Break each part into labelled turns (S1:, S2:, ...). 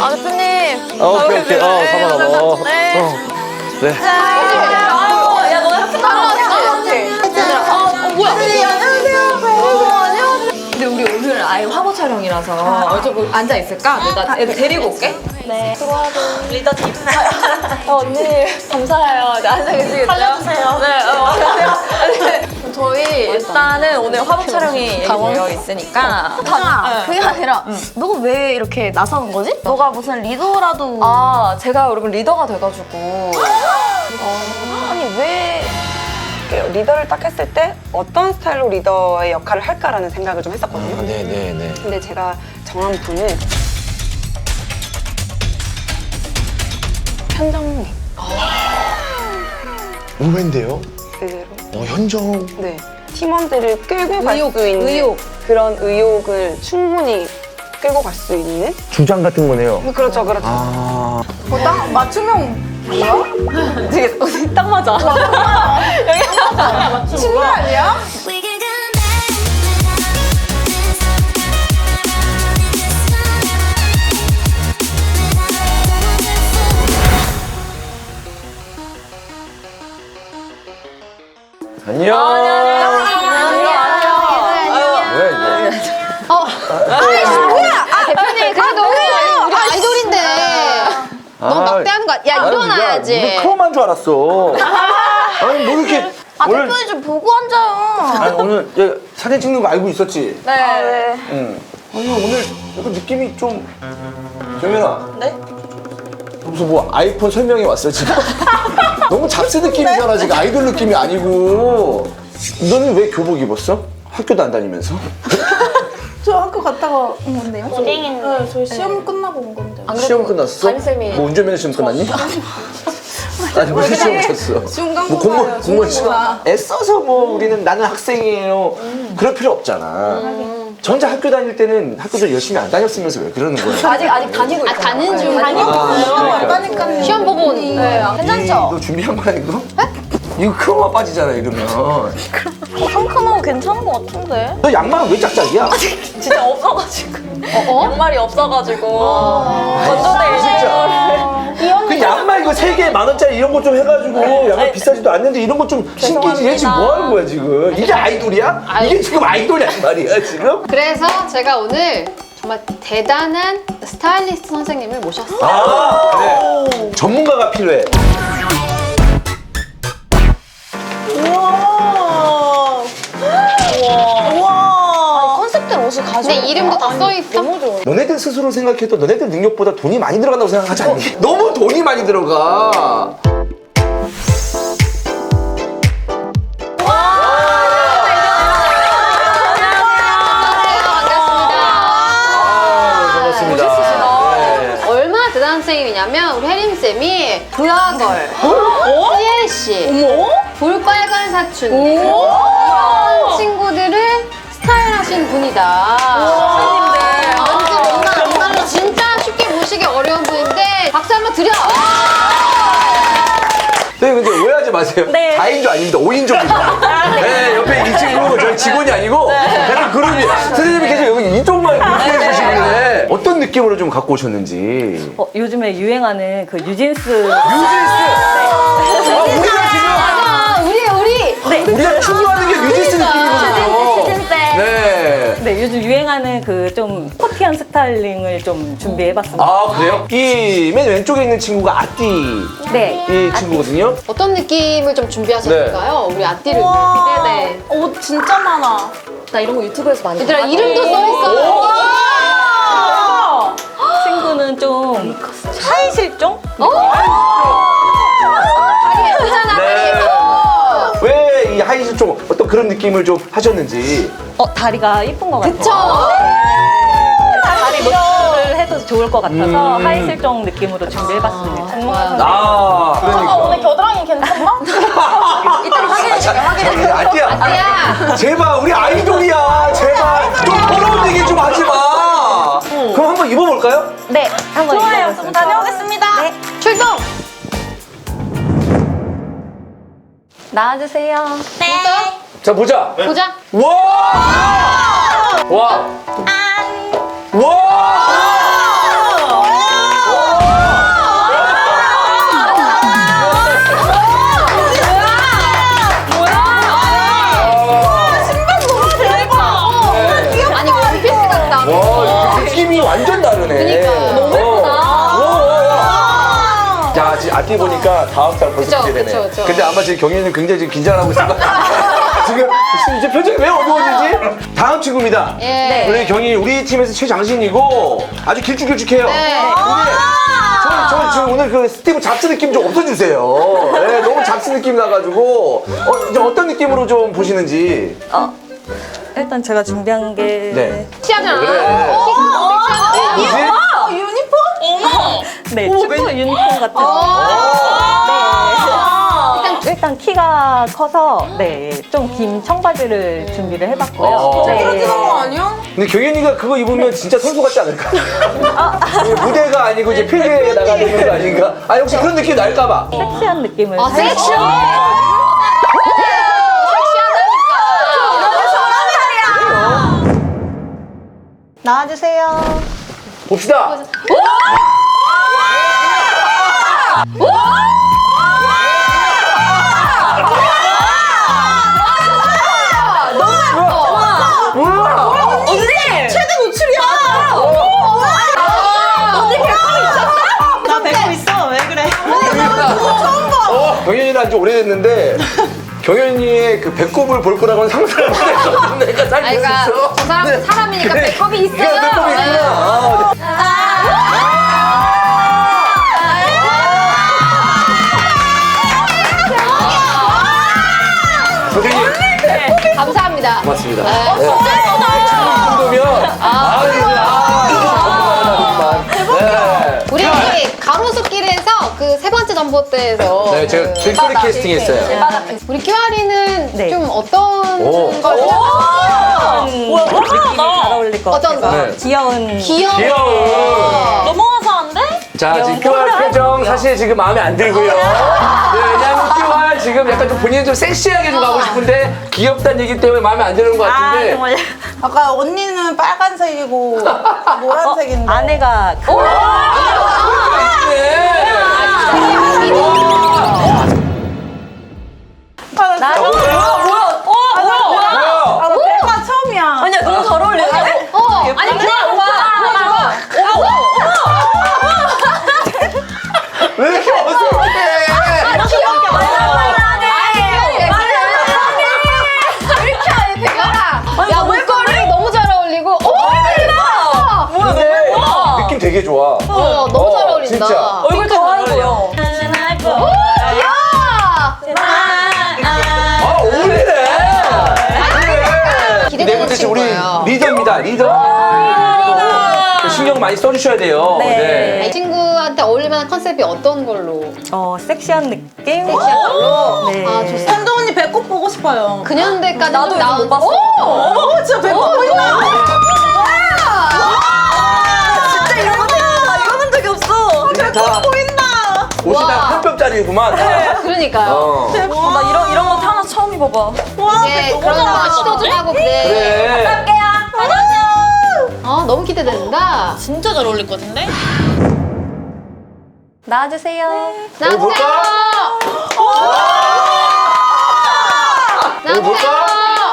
S1: 아, 대표님.
S2: 오케이. 가만. 네.
S1: 야, 너네 학교 다녀왔지? 뭐야? 안녕하세요. 근데 우리 오늘 아예 화보 촬영이라서 좀 앉아 있을까? 내가 애들 데리고 올게.
S3: 네. 들어와도
S1: 리더 팀. 언니 감사해요. 네, 앉아 계시겠죠?
S3: 살려주세요.
S1: 네, 안녕하세요. 저희 일단은 오늘 화보 촬영이 되어 있으니까.
S3: 그게 아니라 너가 왜 이렇게 나서는 거지? 너가 무슨 리더라도
S1: 아, 제가 여러분 리더가 돼가지고.
S3: 아니 왜
S4: 리더를 딱 했을 때 어떤 스타일로 리더의 역할을 할까라는 생각을 좀 했었거든요.
S2: 네네네.
S4: 근데 제가 정한 분은 현정님
S2: 의외인데요?
S4: 그대로
S2: 현정.
S4: 네 팀원들을 끌고 갈 수 있는
S1: 의욕.
S4: 그런 의욕을 충분히 끌고 갈 수 있는
S2: 주장 같은 거네요.
S4: 그렇죠.
S2: 아.
S3: 딱 맞춤형
S1: 되게 언니 딱 맞아.
S3: 친구 아니야?
S2: 안녕. 왜 이제?
S3: 대표님 그래도 우리 아이돌인데 너무 막대하는 거 야 일어나야지.
S2: 무슨 크로만 줄 알았어. 아니 뭐 이렇게 오늘
S3: 대표님 좀 보고 앉아요.
S2: 아니 오늘 얘 사진 찍는 거 알고 있었지?
S1: 네.
S2: 응. 아니 오늘 약간 느낌이 좀 정연아.
S1: 네?
S2: 무슨 뭐 아이폰 설명회 왔어 지금? 너무 잡스 느낌이잖아 지금 아이돌 느낌이 아니고. 너는 왜 교복 입었어? 학교도 안 다니면서?
S5: 저 학교 갔다가 온 건데요.
S3: 고딩인데.
S5: 네, 저희 시험 끝나고 온 건데.
S1: 안 그래도
S2: 시험 끝났어?
S1: 담임쌤이
S2: 뭐 운전면허 시험 끝났니? 아니 무슨 시험 쳤어?
S5: 중간고사요,
S2: 뭐 공무원
S5: 중간고사.
S2: 시험 애써서 뭐 우리는 나는 학생이에요 그럴 필요 없잖아. 전자 학교 다닐 때는 학교도 열심히 안 다녔으면서 왜 그러는 거야?
S1: 아직 다니고 있어요.
S3: 가는 중
S5: 왔다니까요.
S3: 시험 보고 오는 거예요. 괜찮죠?
S2: 너 준비한 거야 이거? 이거 크로마 빠지잖아 이러면.
S3: 상큼하고 괜찮은 것 같은데.
S2: 너 양말은 왜 짝짝이야?
S1: 진짜 없어가지고. 양말이 없어가지고. 건조대
S2: 진짜. 그 양말 이거 3개에 10,000원짜리 이런 거 좀 해가지고 양말 비싸지도 않는데 이런 거 좀 신기지. 얘 지금 뭐 하는 거야 지금? 이게 아이돌이야? 이게 지금 아이돌이야 말이야 지금?
S6: 그래서 제가 오늘 정말 대단한 스타일리스트 선생님을 모셨어요.
S2: 아 그래. 전문가가 필요해.
S3: 컨셉대로 옷을 가지고.
S6: 내 이름도 다 써있어.
S2: 너네들 스스로 생각해도 너네들 능력보다 돈이 많이 들어간다고 생각하지 않니? 너무 돈이 많이 들어가. 반갑습니다. 네.
S6: 얼마나 대단한 선생님이냐면 우리 혜림쌤이 부하걸, CLC, 볼빨간 사춘 이런 친구들을 스타일하신 분이다. 정말로 진짜 쉽게 보시기 어려운 분인데 박수 한번 드려!
S2: 네, 근데 오해하지 마세요.
S1: 네.
S2: 4인조 아닙니다. 5인조입니다. 네, 옆에 이 친구 저희 직원이 아니고 같은 그룹이. 선생님이 계속 여기 이쪽만 이렇게 해주시길래 어떤 느낌으로 좀 갖고 오셨는지.
S7: 요즘에 유행하는 그 뉴진스.
S2: 뉴진스! 아, 우리가 지금 우리가 추구하는 게 뉴진스 느낌이거든요. 네.
S7: 네, 요즘 유행하는 그 좀 스포티한 스타일링을 좀 준비해봤습니다.
S2: 아, 그래요? 이 맨 왼쪽에 있는 친구가 아띠
S7: 네.
S2: 이 친구거든요.
S6: 어떤 느낌을 좀 준비하셨을까요? 우리 앞뒤를 기대돼.
S5: 옷 진짜 많아.
S1: 나 이런 거 유튜브에서 많이
S6: 얘들아
S1: 봤거든.
S6: 이름도 써있어.
S7: 친구는 좀 차이 실종?
S2: 왜 이 하이힐 좀 어떤 그런 느낌을 좀 하셨는지.
S7: 다리가 이쁜 것 같아요.
S6: 그쵸?
S7: 다리 노출을 해도 좋을 것 같아서 하이 실종 느낌으로 준비해봤습니다.
S2: 아, 그러니까.
S5: 오늘 겨드랑이 괜찮나?
S1: 이따 확인해.
S2: 아띠야.
S6: 야,
S2: 제발 우리 아이돌이야. 제발 좀 더러운 얘기 좀 하지 마. 그럼 한번 입어볼까요?
S7: 네, 한번
S5: 좋아요.
S7: 입어보겠습니다.
S5: 다녀오겠습니다. 네.
S6: 출동!
S7: 나와주세요.
S2: 자 보자.
S6: 보자.
S2: 와! 와! 와! 앞뒤 보니까 다음 달 벌써
S6: 그쵸,
S2: 기대되네.
S6: 그쵸.
S2: 근데 아마 지금 경희는 굉장히 지금 긴장하고 있을 것 같아요. 지금 이제 표정이 왜 어두워지지? 다음 친구입니다.
S6: 예.
S2: 우리 경희 우리 팀에서 최장신이고 아주 길쭉길쭉해요.
S6: 네.
S2: 근데 저 지금 오늘 그 스티브 잡스 느낌 좀 없어주세요. 네, 너무 잡스 느낌 나가지고 이제 어떤 느낌으로 좀 보시는지.
S7: 일단 제가 준비한 게
S2: 네.
S6: 섹시하잖아.
S2: 그래. 뭐지?
S5: 유니폼? 어머.
S7: 네, 축구 유니폼 같은 일단 키가 커서 좀 긴 청바지를 준비를 해봤고요. 네.
S5: 아니야?
S2: 근데 경현이가 그거 입으면 진짜 선수 같지 않을까? 이게 무대가 아니고 이제 필드에 나가는 거 아닌가? 아니 혹시 그런 느낌 날까봐.
S7: 섹시한 느낌을
S6: 아,
S7: 살짝-
S5: 나와주세요.
S2: 봅시다. 우와!
S5: 최대 노출이야. 나 뵙고 있어. 왜 그래?
S2: 경현이랑 지 오래됐는데 경현이의 그 배꼽을 볼 거라고는 상상을 못했거든. 내가 잘
S6: 아이가
S2: 모르겠어.
S6: 저 사람은 사람이니까 배꼽이 있어요.
S2: 그래, 배꼽이 있구나. 선생님
S6: 감사합니다.
S2: 고맙습니다.
S6: 네.
S2: 이 정도면 네.
S6: 우리 가로수길에서 그 세 번째 전봇대에서
S2: 네, 제가 길거리 캐스팅 했어요.
S6: 우리 끼와리는
S7: 네.
S6: 좀 어떤
S2: 오.
S6: 걸
S7: 느낌이 잘 어울릴 것
S6: 어떤
S7: 같아서
S2: 거?
S7: 귀여운
S2: 귀여워.
S5: 넘어가서 안 돼?
S2: 자, 지금 QR 표정 사실 지금 마음에 안 들고요. 네, 왜냐면 QR 지금 약간 좀 본인은 좀 섹시하게 좀 가고 싶은데 귀엽다는 얘기 때문에 마음에 안 드는 것 같은데.
S5: 아까 언니는 빨간색이고 노란색인데.
S7: 아내가
S2: 네. 뭐야?
S5: 배가 처음이야.
S1: 아니야, 너무 잘 어울려.
S6: 아니 그냥
S2: 왜 이렇게 어색해?
S6: 야 목걸이 너무 잘 어울리고
S2: 근데 느낌 되게 좋아.
S6: 너무 잘 어울린다.
S2: 진짜.
S1: 얼굴 더해 보여.
S2: 아, 어울리네. 그래.
S6: 기대되는
S2: 네 번째 친구 우리
S6: 친구예요.
S2: 리더입니다. 리더. 신경 많이 써주셔야 돼요.
S7: 네.
S6: 이 친구한테 어울릴 만한 컨셉이 어떤 걸로?
S7: 섹시한 느낌.
S6: 섹시한 걸로?
S7: 네.
S6: 아 좋습니다.
S5: 현도 언니 배꼽 보고 싶어요.
S6: 그년대까지
S1: 나도 요즘 못 봤어.
S5: 어머 진짜 배꼽 보인다.
S1: 진짜 이런 거 태어나 입어본 적이 없어.
S2: 다
S5: 보인다.
S2: 옷이
S6: 와.
S2: 다 한 뼘짜리구만.
S6: 그러니까요.
S1: 나 이런 거 태어나서 처음 입어봐.
S5: 와
S6: 이게
S5: 배꼽
S6: 그런 거 시도 좀 하고 그래.
S2: 그래.
S6: 너무 기대된다.
S5: 진짜 잘 어울릴 것 같은데?
S1: 나와주세요.
S6: 나와주세요.
S2: 볼까?
S6: 나와주세요.
S2: 볼까?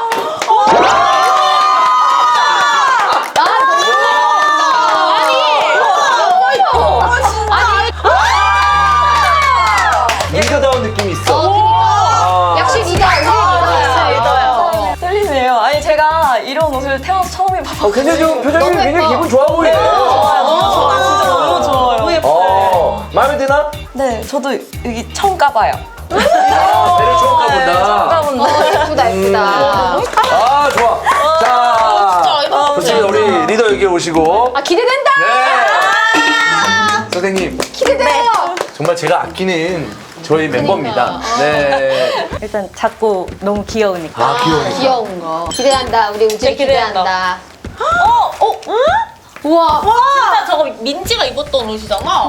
S2: 리더다운 느낌이 있어.
S6: 역시 리더.
S1: 떨리네요. 아니, 제가 이런 옷을 태어나서 처음 입어봐.
S2: 굉장히 좀 표정이
S6: 너무
S2: 굉장히
S6: 예뻐.
S2: 기분 좋아 보이네.
S1: 너무 좋아. 진짜 너무 좋아요. 너무 예뻐요.
S2: 마음에 드나?
S1: 네, 저도 여기 처음 까봐요.
S2: 배를 처음 가본다.
S1: 까본다.
S6: 예쁘다 예쁘다.
S2: 아, 좋아. 자, 좋습니다. 우리 리더 여기 오시고.
S6: 아 기대된다.
S2: 네. 선생님,
S6: 기대돼요.
S2: 정말 제가 아끼는 저희 멤버입니다. 네.
S7: 일단 작고 너무 귀여우니까.
S2: 아, 귀여워.
S6: 귀여운 거. 기대한다. 우리 우지
S5: 기대한다.
S6: 기대한다.
S5: 응?
S6: 우와.
S5: 진짜 저거 민지가 입었던 옷이잖아.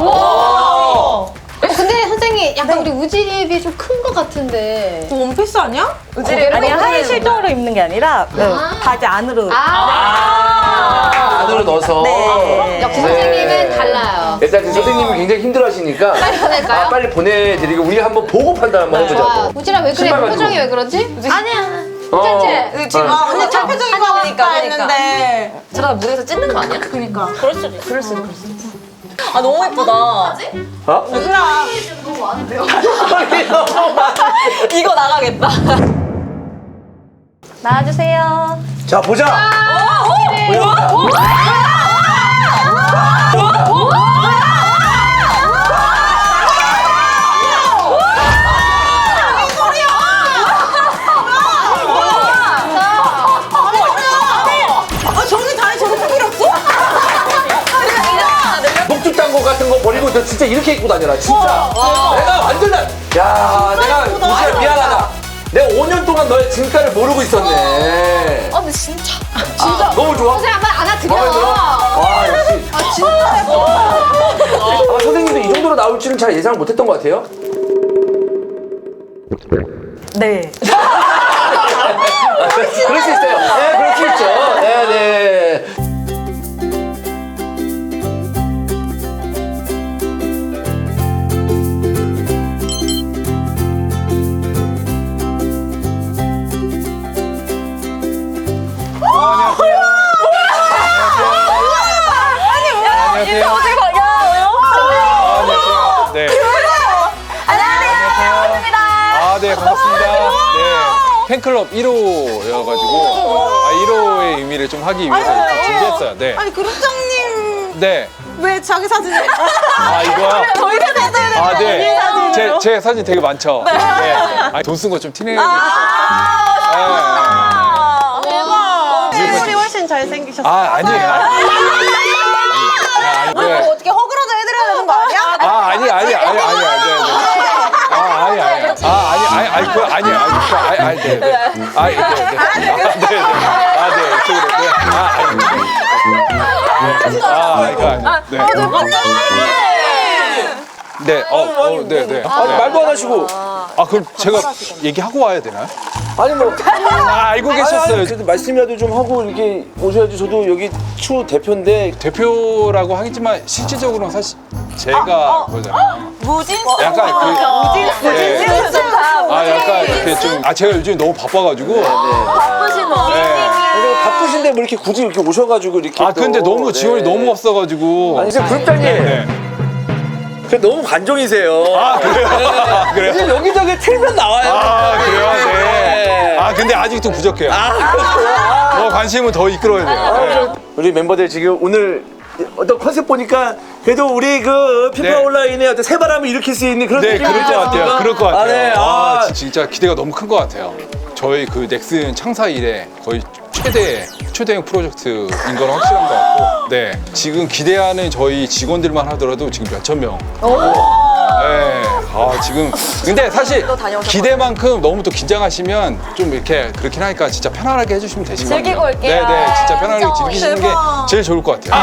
S6: 근데 선생님 약간 우리 우지에 비해 좀 큰 것 같은데.
S5: 원피스 아니야?
S7: 아니 하의 실종으로 입는 게 아니라 바지 안으로.
S2: 안으로 넣어서.
S7: 네.
S6: 역시
S2: 네.
S6: 선생님은 달라요.
S2: 일단 그 선생님이 굉장히 힘들어하시니까
S6: 빨리 보낼까요?
S2: 아, 빨리 보내드리고 우리 한번 보고 판단 한번
S6: 좋아.
S2: 해보자고.
S6: 우지랑 왜 그래?
S2: 신발 가지고.
S6: 표정이 왜 그러지? 아니야. 괜찮지?
S1: 지금
S2: 어.
S5: 근데 첫 표정 이거
S1: 그러니까.
S5: 했는데.
S1: 저러다 무대에서 찢는 거 아니야?
S5: 그러니까. 그럴 수도 있어.
S1: 아, 너무 예쁘다.
S2: 어?
S5: 우진아.
S6: 너무 많은데요?
S1: 이거 나가겠다. 나와주세요.
S2: 자 보자. 목줄 딴거 같은 거 버리고 너 진짜 이렇게 입고 다녀라 진짜. 내가 완전 야 내가 우지야 미안하다. 내가 5년 동안 너의 진가를 모르고 있었네.
S1: 근데 진짜.
S2: 너무 좋아.
S6: 선생님 한번 안아드려.
S2: 마음에 들어? 와 역시. 아마 선생님도 이 정도로 나올 줄은 잘 예상 못했던 것 같아요.
S7: 네.
S2: 그럴 수 있어요. 네, 그럴 수 있죠. 네, 네.
S8: 네. 네, 반갑습니다. 네. 팬클럽 1호여가지고, 1호의 의미를 좀 하기 위해서 이렇게 준비했어요. 네.
S5: 아니 그룹장님
S8: 네.
S5: 왜 자기 사진을?
S8: 이거요?
S5: 저희 사진을
S8: 네.
S5: 사진으로.
S8: 제 사진 되게 많죠? 네. 돈 쓴 거 좀 티내야겠어요.
S5: 실물이 훨씬 잘생기셨어요.
S8: 아니에요.
S5: 뭐 어떻게 허그라도 해드려야 되는 거 아니야?
S2: 말도 안 하시고.
S8: 그럼 제가 얘기하고 와야 되나요?
S2: 아니 뭐.
S8: 알고 계셨어요.
S2: 그래도 말씀이라도 좀 하고 이렇게 오셔야지. 저도 여기 추 대표인데.
S8: 대표라고 하겠지만 실질적으로는 사실 제가 그거잖아요.
S5: 무진스.
S8: 약간
S5: 무진스.
S8: 약간 이렇게 좀 제가 요즘 너무 바빠가지고.
S1: 바쁘신
S2: 그리고 바쁘신데 뭐 이렇게 굳이 이렇게 오셔가지고 이렇게.
S8: 근데 너무 지원이 너무 없어가지고.
S2: 아니, 그룹장님.
S8: 네.
S2: 너무 관종이세요.
S8: 그래요? 그래요?
S2: 이제 여기저기 틀면 나와요.
S8: 그래요? 네. 근데 아직도 부족해요. 더 관심은 더 이끌어야 돼요.
S2: 우리 멤버들 지금 오늘 어떤 컨셉 보니까 그래도 우리 그 피파
S8: 네.
S2: 온라인에 어떤 새바람을 일으킬 수 있는 그런
S8: 네, 그럴 것 같아요. 그럴 것 같아요.
S2: 네.
S8: 진짜 기대가 너무 큰 것 같아요. 저희 그 넥슨 창사 이래 거의 초대형 프로젝트인 건 확실한 것 같고, 네. 지금 기대하는 저희 직원들만 하더라도 지금 몇천 명. 네. 지금 근데 사실 기대만큼 너무 또 긴장하시면 좀 이렇게 그렇긴 하니까 진짜 편안하게 해주시면 되실 것 같아요.
S1: 즐기고 올게요.
S8: 네, 진짜 편안하게 즐기시는 게 제일 좋을 것 같아요.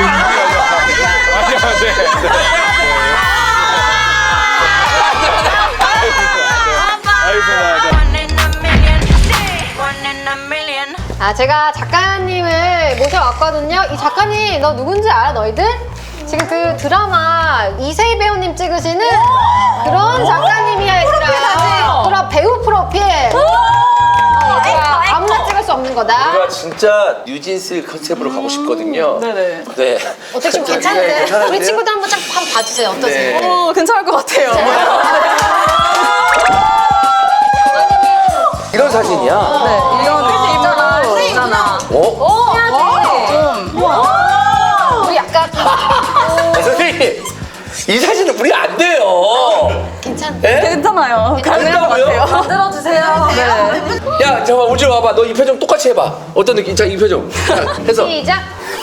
S6: 제가 작가님을 모셔왔거든요. 이 작가님, 너 누군지 알아, 너희들? 지금 그 드라마 이세희 배우님 찍으시는 그런 작가님이야, 얘들아. 그럼 배우 프로필. 얘들아, 아무나 찍을 수 없는 거다.
S2: 제가 진짜 뉴진스 컨셉으로 가고 싶거든요.
S1: 네네.
S2: 네.
S6: 어떻게 좀 괜찮은데? 우리 친구들 한번 쫙 한번 봐주세요. 어떠세요?
S2: 네.
S1: 괜찮을 것 같아요.
S2: 이런 사진이야.
S1: 이런 느낌으로 있잖아.
S6: 우리 약간
S2: 선생님, 이 사진은 우리 안 돼요.
S6: 괜찮은데?
S1: 괜찮아요. 가능한 것
S2: 된다고요?
S1: 같아요. 만들어주세요. 네.
S2: 야, 잠깐만, 우지 와봐. 너 이 표정 똑같이 해봐. 어떤 느낌? 자, 이 표정. 자, 해서.
S6: 시작.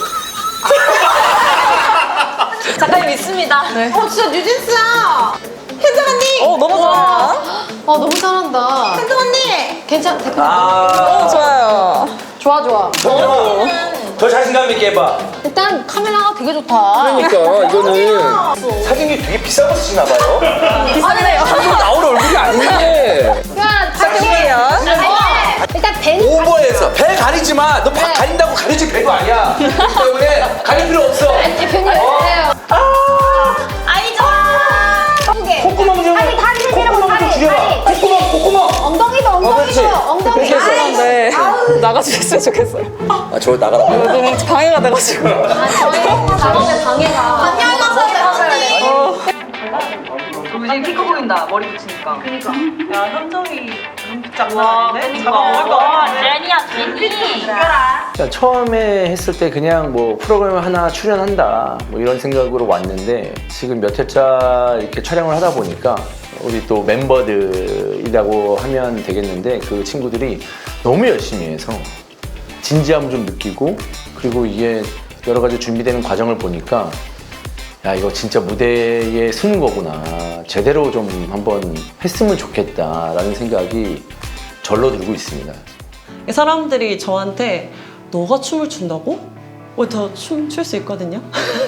S1: 작가님 있습니다. 네.
S5: 진짜 뉴진스야. 혜정 언니.
S1: 너무 좋아요.
S6: 너무 잘한다.
S5: 혜정 언니.
S6: 괜찮, 대표님.
S1: 좋아요.
S6: 좋아.
S2: 더 자신감 있게 해봐.
S6: 일단 카메라가 되게 좋다.
S2: 그러니까 이거는 사진이 되게 비싼 거 쓰시나 봐요.
S1: 비싸네요.
S2: 방송 나올 얼굴이 아닌데.
S6: 야,
S1: 작가님이에요.
S6: 일단 배는
S2: 오버해서 배 가리지 마. 너 배 가린다고 가리지 배가 아니야. 그렇기 때문에 가릴 필요 없어.
S6: 대표님 해주세요.
S1: 아이 좋아.
S2: 콧구멍 좀.
S6: 아니, 다리
S2: 콧구멍 좀
S6: 다리,
S2: 줄여봐.
S6: 다리.
S2: 콧구멍.
S6: 엉덩이도
S2: 그렇지.
S6: 엉덩이.
S2: 그렇게 해서.
S6: 아이,
S1: 네. 나가주셨으면 좋겠어요.
S2: 저 나가라고.
S1: 너무 방해가 돼가지고.
S6: 저희 작업의 방해가. 안녕하세요,
S1: 완전 키 커 보인다. 머리 붙이니까.
S5: 야, 현정이 장난 아닌데? 잡아먹을 거 같은데?
S9: 그러니까 처음에 했을 때 그냥 뭐 프로그램 하나 출연한다 뭐 이런 생각으로 왔는데 지금 몇 회차 이렇게 촬영을 하다 보니까 우리 또 멤버들이라고 하면 되겠는데 그 친구들이 너무 열심히 해서 진지함 좀 느끼고 그리고 이게 여러 가지 준비되는 과정을 보니까 야 이거 진짜 무대에 서는 거구나 제대로 좀 한번 했으면 좋겠다라는 생각이 절로 들고 있습니다.
S5: 사람들이 저한테 너가 춤을 춘다고? 저 춤 출 수 있거든요.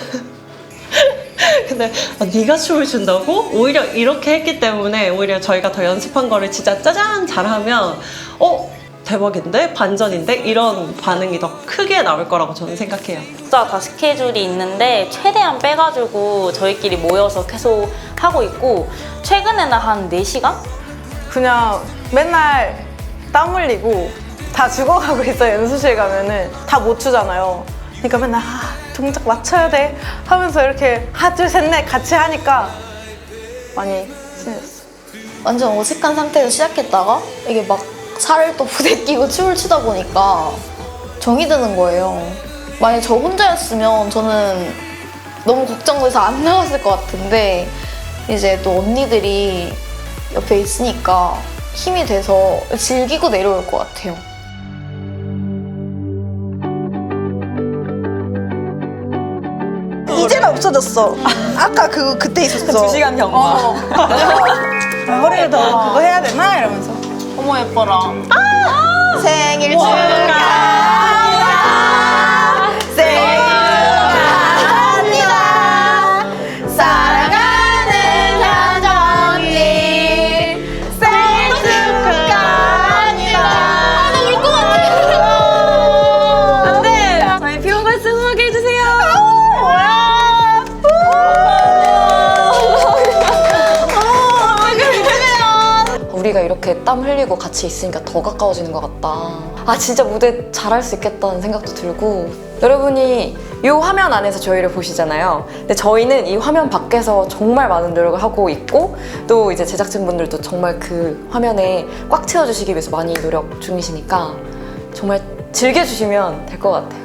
S5: 근데 네가 춤을 춘다고? 오히려 이렇게 했기 때문에 오히려 저희가 더 연습한 거를 진짜 짜잔 잘하면 대박인데? 반전인데? 이런 반응이 더 크게 나올 거라고 저는 생각해요.
S10: 진짜 다 스케줄이 있는데 최대한 빼가지고 저희끼리 모여서 계속 하고 있고 최근에는 한 4시간?
S11: 그냥 맨날 땀 흘리고 다 죽어가고 있어요. 연습실 가면은 다 못 추잖아요. 그러니까 맨날 동작 맞춰야 돼 하면서 이렇게 하나 둘 셋 넷 같이 하니까 많이 친해졌어.
S12: 완전 어색한 상태에서 시작했다가 이게 막 살을 또 부대끼고 춤을 추다 보니까 정이 드는 거예요. 만약 저 혼자였으면 저는 너무 걱정돼서 안 나갔을 것 같은데 이제 또 언니들이 옆에 있으니까 힘이 돼서 즐기고 내려올 것 같아요.
S11: 이제는 없어졌어. 아까 그때 있었어.
S1: 2시간 경과.
S11: 머리를 더 그거 해야 되나 이러면서.
S12: 어머 예뻐라.
S11: 생일 축하합니다. 생일 축하합니다. 사랑하는 현정 언니. 생일 축하합니다.
S12: 나 울 것 같아.
S1: 네, 저희 피오 발슨 소개해 주세요.
S12: 우리가 이렇게 땀 흘리고 같이 있으니까 더 가까워지는 것 같다. 아 진짜 무대 잘할 수 있겠다는 생각도 들고.
S1: 여러분이 이 화면 안에서 저희를 보시잖아요. 근데 저희는 이 화면 밖에서 정말 많은 노력을 하고 있고 또 이제 제작진분들도 정말 그 화면에 꽉 채워주시기 위해서 많이 노력 중이시니까 정말 즐겨주시면 될 것 같아요.